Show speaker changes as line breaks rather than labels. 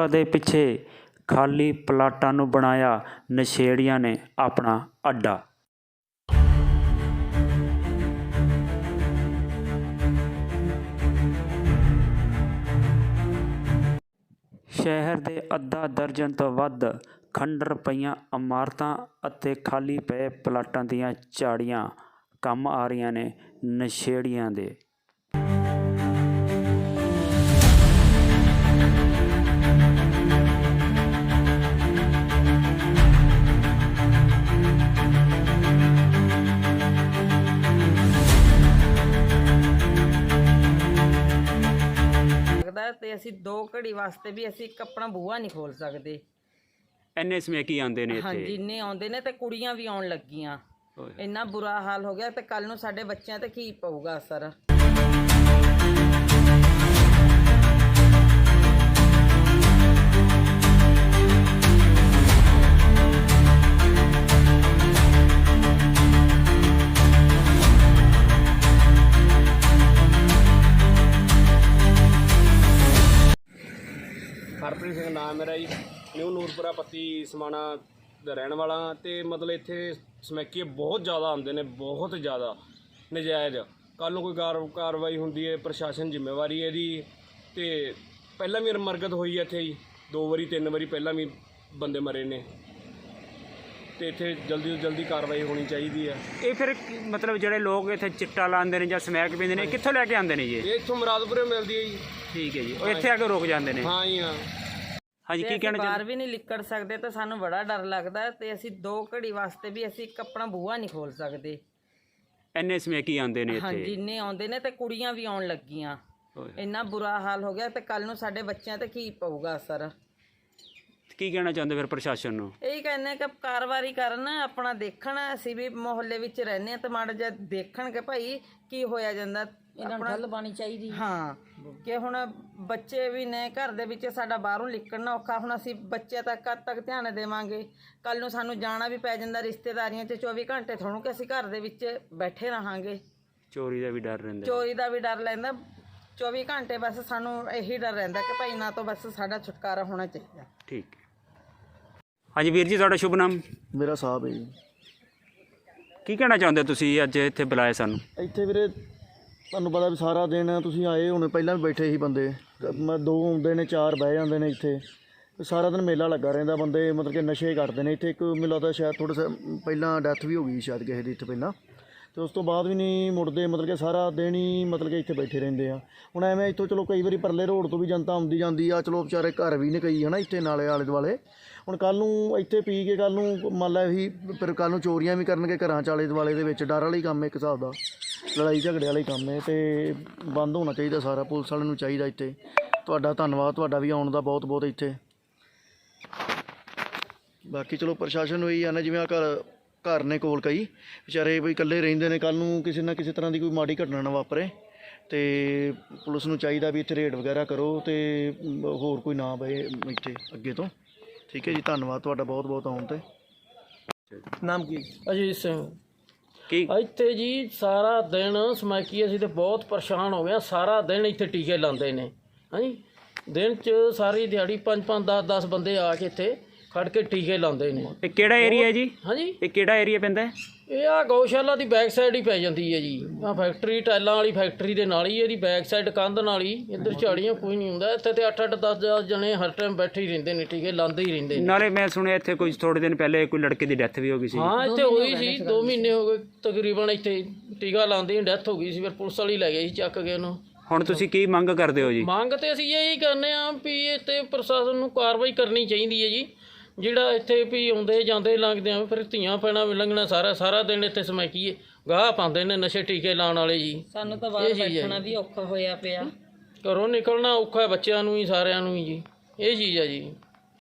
ਜਗ੍ਹਾ ਦੇ ਪਿੱਛੇ ਖਾਲੀ ਪਲਾਟਾਂ ਨੂੰ ਬਣਾਇਆ ਨਸ਼ੇੜੀਆਂ ਨੇ ਆਪਣਾ ਅੱਡਾ। ਸ਼ਹਿਰ ਦੇ ਅੱਧਾ ਦਰਜਨ ਤੋਂ ਵੱਧ ਖੰਡਰ ਪਈਆਂ ਇਮਾਰਤਾਂ ਅਤੇ ਖਾਲੀ ਪਏ ਪਲਾਟਾਂ ਦੀਆਂ ਝਾੜੀਆਂ ਕੰਮ ਆ ਰਹੀਆਂ ਨੇ ਨਸ਼ੇੜੀਆਂ ਦੇ।
ਤੇ ਅਸੀਂ 2 ਘੜੀ ਵਾਸਤੇ ਵੀ ਅਸੀਂ ਇੱਕ ਆਪਣਾ ਬੂਹਾ ਨਹੀਂ ਖੋਲ ਸਕਦੇ।
ਇੰਨੇ ਸਮੈਕੀ ਆਉਂਦੇ ਨੇ ਇੱਥੇ।
ਹਾਂਜੀ ਇੰਨੇ ਆਉਂਦੇ ਨੇ ਤੇ ਕੁੜੀਆਂ ਵੀ ਆਉਣ ਲੱਗੀਆਂ। ਇੰਨਾ ਬੁਰਾ ਹਾਲ ਹੋ ਗਿਆ ਤੇ ਕੱਲ ਨੂੰ ਸਾਡੇ ਬੱਚਿਆਂ ਤੇ ਕੀ ਪਊਗਾ ਅਸਰ।
ਹਰਪ੍ਰੀਤ ਸਿੰਘ ਨਾਮ ਮੇਰਾ ਜੀ। ਨਿਊ ਨੂਰਪੁਰਾ ਪੱਤੀ ਸਮਾਣਾ ਦਾ ਰਹਿਣ ਵਾਲਾ ਅਤੇ ਮਤਲਬ ਇੱਥੇ ਸਮੈਕੀਏ ਬਹੁਤ ਜ਼ਿਆਦਾ ਆਉਂਦੇ ਨੇ, ਬਹੁਤ ਜ਼ਿਆਦਾ ਨਜਾਇਜ਼। ਕੱਲ੍ਹ ਨੂੰ ਕੋਈ ਕਾਰਵਾਈ ਹੁੰਦੀ ਹੈ, ਪ੍ਰਸ਼ਾਸਨ ਜ਼ਿੰਮੇਵਾਰੀ ਹੈ ਇਹਦੀ। ਅਤੇ ਪਹਿਲਾਂ ਵੀ ਮਰਗਤ ਹੋਈ ਹੈ ਇੱਥੇ ਜੀ, 2 ਵਾਰੀ 3 ਵਾਰੀ ਪਹਿਲਾਂ ਵੀ ਬੰਦੇ ਮਰੇ ਨੇ। ਅਤੇ ਇੱਥੇ ਜਲਦੀ ਤੋਂ ਜਲਦੀ ਕਾਰਵਾਈ ਹੋਣੀ ਚਾਹੀਦੀ ਹੈ।
ਇਹ ਫਿਰ ਮਤਲਬ ਜਿਹੜੇ ਲੋਕ ਇੱਥੇ ਚਿੱਟਾ ਲਾਉਂਦੇ ਨੇ ਜਾਂ ਸਮੈਕ ਪੀਂਦੇ ਨੇ, ਕਿੱਥੋਂ ਲੈ ਕੇ ਆਉਂਦੇ ਨੇ ਜੀ?
ਇਹ ਇੱਥੋਂ ਮੁਰਾਦਪੁਰੇ ਮਿਲਦੀ ਹੈ ਜੀ।
ਠੀਕ ਹੈ ਜੀ, ਉਹ ਇੱਥੇ ਆ ਕੇ ਰੁਕ ਜਾਂਦੇ ਨੇ।
ਹਾਂ ਜੀ ਹਾਂ।
ਹਾਂਜੀ, ਕੀ ਕਹਿਣਾ
ਬਾਹਰ ਵੀ ਨਹੀਂ ਨਿਕਲ ਸਕਦੇ ਤਾਂ ਸਾਨੂੰ ਬੜਾ ਡਰ ਲੱਗਦਾ ਤੇ ਅਸੀਂ 2 ਘੜੀ ਵਾਸਤੇ ਵੀ ਅਸੀਂ ਇੱਕ ਆਪਣਾ ਬੂਹਾ ਨਹੀਂ ਖੋਲ ਸਕਦੇ।
ਇੰਨੇ ਸਮੈਕੀ ਆਉਂਦੇ ਨੇ ਇੱਥੇ।
ਹਾਂਜੀ ਇੰਨੇ ਆਉਂਦੇ ਨੇ ਤੇ ਕੁੜੀਆਂ ਵੀ ਆਉਣ ਲੱਗੀਆਂ। ਇੰਨਾ ਬੁਰਾ ਹਾਲ ਹੋ ਗਿਆ ਤੇ ਕੱਲ ਨੂੰ ਸਾਡੇ ਬੱਚਿਆਂ ਤੇ ਕੀ ਪਊਗਾ ਅਸਰ।
ਕੀ ਕਹਿਣਾ ਚਾਹੁੰਦੇ ਫਿਰ ਪ੍ਰਸ਼ਾਸਨ ਨੂੰ?
ਇਹੀ ਕਹਿੰਦੇ ਕਿ ਕਾਰਵਾਈ ਕਰਨ, ਆਪਣਾ ਦੇਖਣ। ਅਸੀਂ ਵੀ ਮੁਹੱਲੇ ਵਿੱਚ ਰਹਿੰਦੇ ਹਾਂ ਤੇ ਮਾੜਾ ਜਿਹਾ ਦੇਖਣ ਕਿ ਭਾਈ ਕੀ ਹੋਇਆ ਜਾਂਦਾ। ਇਹਨਾਂ ਨੂੰ ਗੱਲ ਬਾਣੀ ਚਾਹੀਦੀ। ਹਾਂ ਕਿ ਹੁਣ ਬੱਚੇ ਵੀ ਨੇ ਘਰ ਦੇ ਵਿੱਚ, ਸਾਡਾ ਬਾਹਰੋਂ ਨਿਕਲਣਾ ਔਖਾ। ਹੁਣ ਅਸੀਂ ਬੱਚੇ ਤੱਕ ਕਦ ਤੱਕ ਧਿਆਨ ਦੇਵਾਂਗੇ? ਕੱਲ ਨੂੰ ਸਾਨੂੰ ਜਾਣਾ ਵੀ ਪੈ ਜਾਂਦਾ ਰਿਸ਼ਤੇਦਾਰੀਆਂ 'ਚ। 24 ਘੰਟੇ ਥੋੜ੍ਹਾ ਕਿ ਅਸੀਂ ਘਰ ਦੇ ਵਿੱਚ ਬੈਠੇ ਰਹਾਂਗੇ।
ਚੋਰੀ ਦਾ ਵੀ ਡਰ ਰਹਿੰਦਾ।
ਚੋਰੀ ਦਾ ਵੀ ਡਰ ਰਹਿੰਦਾ 24 ਘੰਟੇ। ਬਸ ਸਾਨੂੰ ਇਹੀ ਡਰ ਰਹਿੰਦਾ ਕਿ ਭਾਈ ਨਾ ਤੋਂ ਬਸ ਸਾਡਾ ਛੁਟਕਾਰਾ ਹੋਣਾ ਚਾਹੀਦਾ।
ਠੀਕ ਹੈ। ਹਾਂਜੀ ਵੀਰ ਜੀ, ਤੁਹਾਡਾ ਸ਼ੁਭ ਨਾਮ?
ਮੇਰਾ ਸਾਹਿਬ ਹੈ ਜੀ।
ਕੀ ਕਹਿਣਾ ਚਾਹੁੰਦੇ ਤੁਸੀਂ ਅੱਜ ਇੱਥੇ ਬੁਲਾਏ ਸਾਨੂੰ?
ਇੱਥੇ ਵੀਰੇ ਤੁਹਾਨੂੰ ਪਤਾ ਵੀ ਸਾਰਾ ਦਿਨ ਤੁਸੀਂ ਆਏ ਹੋਣੇ, ਪਹਿਲਾਂ ਵੀ ਬੈਠੇ ਸੀ ਬੰਦੇ। ਮੈਂ 2 ਆਉਂਦੇ ਨੇ, 4 ਬਹਿ ਜਾਂਦੇ ਨੇ ਇੱਥੇ। ਸਾਰਾ ਦਿਨ ਮੇਲਾ ਲੱਗਾ ਰਹਿੰਦਾ। ਬੰਦੇ ਮਤਲਬ ਕਿ ਨਸ਼ੇ ਕਰਦੇ ਨੇ ਇੱਥੇ। ਇੱਕ ਮੈਨੂੰ ਲੱਗਦਾ ਸ਼ਾਇਦ ਥੋੜ੍ਹਾ ਪਹਿਲਾਂ ਡੈਥ ਵੀ ਹੋ ਗਈ ਸ਼ਾਇਦ ਕਿਸੇ ਦੀ ਇੱਥੇ ਪਹਿਲਾਂ, ਅਤੇ ਉਸ ਤੋਂ ਬਾਅਦ ਵੀ ਨਹੀਂ ਮੁੜਦੇ। ਮਤਲਬ ਕਿ ਸਾਰਾ ਦਿਨ ਹੀ ਮਤਲਬ ਕਿ ਇੱਥੇ ਬੈਠੇ ਰਹਿੰਦੇ ਆ। ਹੁਣ ਐਵੇਂ ਇੱਥੋਂ ਚਲੋ ਕਈ ਵਾਰੀ ਪਰਲੇ ਰੋਡ ਤੋਂ ਵੀ ਜਨਤਾ ਆਉਂਦੀ ਜਾਂਦੀ ਆ, ਚਲੋ ਵਿਚਾਰੇ ਘਰ ਵੀ ਨੇ ਕਈ ਹੈ ਨਾ ਇੱਥੇ ਨਾਲੇ ਆਲੇ ਦੁਆਲੇ। ਹੁਣ ਕੱਲ੍ਹ ਨੂੰ ਇੱਥੇ ਪੀ ਕੇ ਕੱਲ੍ਹ ਨੂੰ ਮੰਨ ਲਾ ਇਹੀ ਫਿਰ ਕੱਲ੍ਹ ਨੂੰ ਚੋਰੀਆਂ ਵੀ ਕਰਨਗੇ ਘਰਾਂ 'ਚ ਆਲੇ ਦੁਆਲੇ ਦੇ ਵਿੱਚ। ਡਰ ਵਾਲਾ ਹੀ ਕੰਮ ਹੈ ਇੱਕ ਹਿਸਾਬ ਦਾ, ਲੜਾਈ ਝਗੜੇ ਵਾਲਾ ਹੀ ਕੰਮ ਹੈ। ਅਤੇ ਬੰਦ ਹੋਣਾ ਚਾਹੀਦਾ ਸਾਰਾ। ਪੁਲਿਸ ਵਾਲਿਆਂ ਨੂੰ ਚਾਹੀਦਾ ਇੱਥੇ। ਤੁਹਾਡਾ ਧੰਨਵਾਦ, ਤੁਹਾਡਾ ਵੀ ਆਉਣ ਦਾ ਬਹੁਤ ਬਹੁਤ ਇੱਥੇ। ਬਾਕੀ ਚਲੋ ਪ੍ਰਸ਼ਾਸਨ ਨੂੰ ਇਹੀ ਆ ਨਾ, ਜਿਵੇਂ ਆ ਘਰ ਨੇ ਕੋਲ ਕਈ ਵਿਚਾਰੇ ਵੀ ਇਕੱਲੇ ਰਹਿੰਦੇ ਨੇ, ਕੱਲ੍ਹ ਨੂੰ ਕਿਸੇ ਨਾ ਕਿਸੇ ਤਰ੍ਹਾਂ ਦੀ ਕੋਈ ਮਾੜੀ ਘਟਨਾ ਨਾ ਵਾਪਰੇ। ਅਤੇ ਪੁਲਿਸ ਨੂੰ ਚਾਹੀਦਾ ਵੀ ਇੱਥੇ ਰੇਡ ਵਗੈਰਾ ਕਰੋ ਅਤੇ ਹੋਰ ਕੋਈ ਨਾ ਪਏ ਇੱਥੇ ਅੱਗੇ ਤੋਂ। ਠੀਕ ਹੈ ਜੀ, ਧੰਨਵਾਦ ਤੁਹਾਡਾ ਬਹੁਤ ਬਹੁਤ ਆਉਣ 'ਤੇ।
ਨਾਮ ਕੀ? ਅਜੀਤ ਸਿੰਘ।
ਕੀ
ਇੱਥੇ ਜੀ ਸਾਰਾ ਦਿਨ ਸਮੈਕੀ ਅਸੀਂ ਤਾਂ ਬਹੁਤ ਪਰੇਸ਼ਾਨ ਹੋ ਗਏ। ਸਾਰਾ ਦਿਨ ਇੱਥੇ ਟੀਕੇ ਲਾਉਂਦੇ ਨੇ। ਹਾਂਜੀ ਦਿਨ 'ਚ ਸਾਰੀ ਦਿਹਾੜੀ 5-5 10-10 ਬੰਦੇ ਆ ਕੇ ਇੱਥੇ ਖੜ ਕੇ ਟੀਕੇ ਲਾਉਂਦੇ ਨੇ।
ਇਹ ਕਿਹੜਾ ਏਰੀਆ ਜੀ?
ਹਾਂਜੀ
ਇਹ ਕਿਹੜਾ ਏਰੀਆ ਪੈਂਦਾ?
ਇਹ ਆ ਗਊਸ਼ਾਲਾ ਦੀ ਬੈਕ ਸਾਈਡ ਹੀ ਪੈ ਜਾਂਦੀ ਹੈ ਜੀ। ਆ ਫੈਕਟਰੀ ਟਾਇਲਾਂ ਵਾਲੀ ਫੈਕਟਰੀ ਦੇ ਨਾਲ ਹੀ ਇਹਦੀ ਬੈਕ ਸਾਈਡ ਕੰਧ ਨਾਲ ਹੀ। ਇੱਧਰ ਝਾੜੀਆਂ ਕੋਈ ਨਹੀਂ ਹੁੰਦਾ ਇੱਥੇ। ਤੇ 8-8 10-10 ਜਣੇ ਹਰ ਟਾਈਮ ਬੈਠੇ ਹੀ ਰਹਿੰਦੇ ਨੇ, ਟੀਕੇ ਲਾਉਂਦੇ ਹੀ ਰਹਿੰਦੇ ਨੇ।
ਨਾਲੇ ਮੈਂ ਸੁਣਿਆ ਇੱਥੇ ਕੁਝ ਥੋੜੇ ਦਿਨ ਪਹਿਲੇ ਕੋਈ ਲੜਕੇ ਦੀ ਡੈਥ ਵੀ ਹੋ ਗਈ ਸੀ।
ਹਾਂ ਇੱਥੇ ਹੋਈ ਸੀ, 2 ਮਹੀਨੇ ਹੋ ਗਏ ਤਕਰੀਬਨ। ਇੱਥੇ ਟੀਕਾ ਲਾਉਂਦੇ ਹੀ ਡੈਥ ਹੋ ਗਈ ਸੀ। ਫਿਰ ਪੁਲਿਸ ਵਾਲੀ ਲੈ ਗਏ ਸੀ ਚੱਕ ਕੇ ਉਹਨੂੰ।
ਹੁਣ ਤੁਸੀਂ ਕੀ ਮੰਗ ਕਰਦੇ ਹੋ ਜੀ?
ਮੰਗ ਤੇ ਅਸੀਂ ਇਹੀ ਕਰਨੇ ਆ ਵੀ ਇੱਥੇ ਪ੍ਰਸ਼ਾਸਨ ਨੂੰ ਕਾਰਵਾਈ ਕਰਨੀ ਚਾਹੀਦੀ ਹੈ ਜੀ। ਜਿਹੜਾ ਇੱਥੇ ਵੀ ਆਉਂਦੇ ਜਾਂਦੇ ਲੰਘਦੇ ਆ, ਫਿਰ ਧੀਆਂ ਭੈਣਾਂ ਵੀ ਲੰਘਣਾ। ਸਾਰਾ ਦਿਨ ਇੱਥੇ ਸਮੈਕੀਏ ਗਾਹ ਪਾਉਂਦੇ ਨੇ ਨਸ਼ੇ ਟੀਕੇ ਲਾਉਣ ਵਾਲੇ ਜੀ।
ਸਾਨੂੰ ਤਾਂ ਬਾਹਰ ਬੈਠਣਾ ਵੀ ਔਖਾ ਹੋਇਆ ਪਿਆ।
ਘਰੋਂ ਨਿਕਲਣਾ ਔਖਾ ਬੱਚਿਆਂ ਨੂੰ ਹੀ, ਸਾਰਿਆਂ ਨੂੰ ਹੀ ਜੀ। ਇਹ ਚੀਜ਼ ਹੈ ਜੀ।